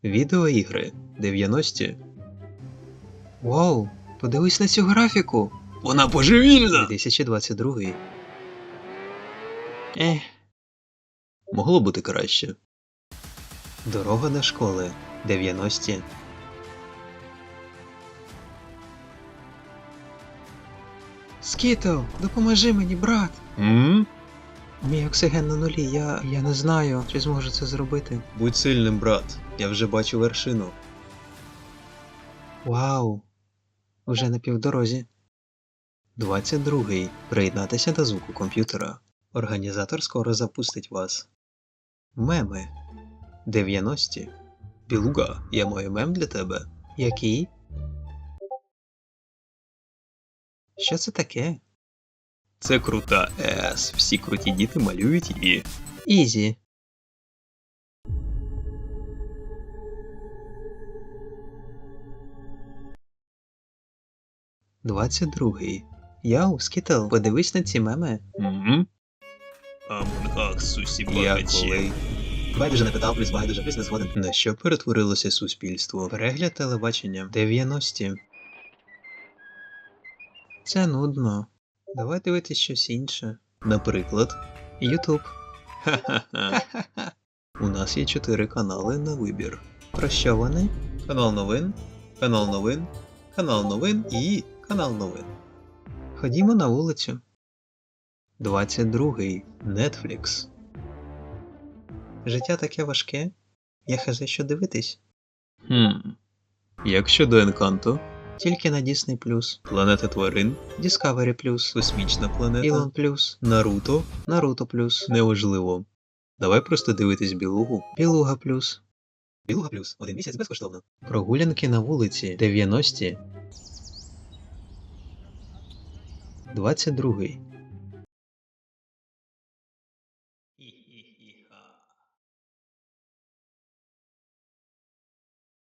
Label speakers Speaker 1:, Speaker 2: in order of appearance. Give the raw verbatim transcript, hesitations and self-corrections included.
Speaker 1: Відеоігри дев'яності. Вау, подивись на цю графіку.
Speaker 2: Вона божевільна!
Speaker 1: дві тисячі двадцять другий. Ех. Могло бути краще. Дорога до школи дев'яності. Скітл, допоможи мені, брат.
Speaker 2: М?
Speaker 1: Мій оксиген на нулі, я, я не знаю, чи зможу це зробити.
Speaker 2: Будь сильним, брат. Я вже бачу вершину.
Speaker 1: Вау, уже на півдорозі. двадцять другий. Приєднатися до звуку комп'ютера. Організатор скоро запустить вас. Меми дев'яності.
Speaker 2: Білуга, я маю мем для тебе.
Speaker 1: Який? Що це таке?
Speaker 2: Це крута ес. Всі круті діти малюють її.
Speaker 1: Ізі. двадцять другий. Яу, Скітл, подивись на ці меми.
Speaker 2: М? Амонгак, сусі
Speaker 1: Я
Speaker 2: багачі.
Speaker 1: коли...
Speaker 2: Байдуже не питав, плюс байдуже, плюс не згоден.
Speaker 1: На що перетворилося суспільство? Перегляд телебачення дев'яності. Це нудно. Давай дивитись щось інше.
Speaker 2: Наприклад,
Speaker 1: Ютуб.
Speaker 2: ха-ха-ха.
Speaker 1: У нас є чотири канали на вибір. Про що вони?
Speaker 2: Канал новин, канал новин, канал новин і канал новин.
Speaker 1: Ходімо на вулицю. двадцять другий.
Speaker 2: Netflix.
Speaker 1: Життя таке важке. Я хазе що дивитись.
Speaker 2: Хм. Як щодо Енканто,
Speaker 1: Тільки на Disney+,
Speaker 2: Планета тварин,
Speaker 1: Discovery+,
Speaker 2: Космічна планета,
Speaker 1: Elon+,
Speaker 2: Наруто,
Speaker 1: Naruto+,
Speaker 2: неважливо. Давай просто дивитись Білугу.
Speaker 1: Білуга+,
Speaker 2: Білуга плюс. Один місяць безкоштовно.
Speaker 1: прогулянки на вулиці дев'яності. двадцять другий.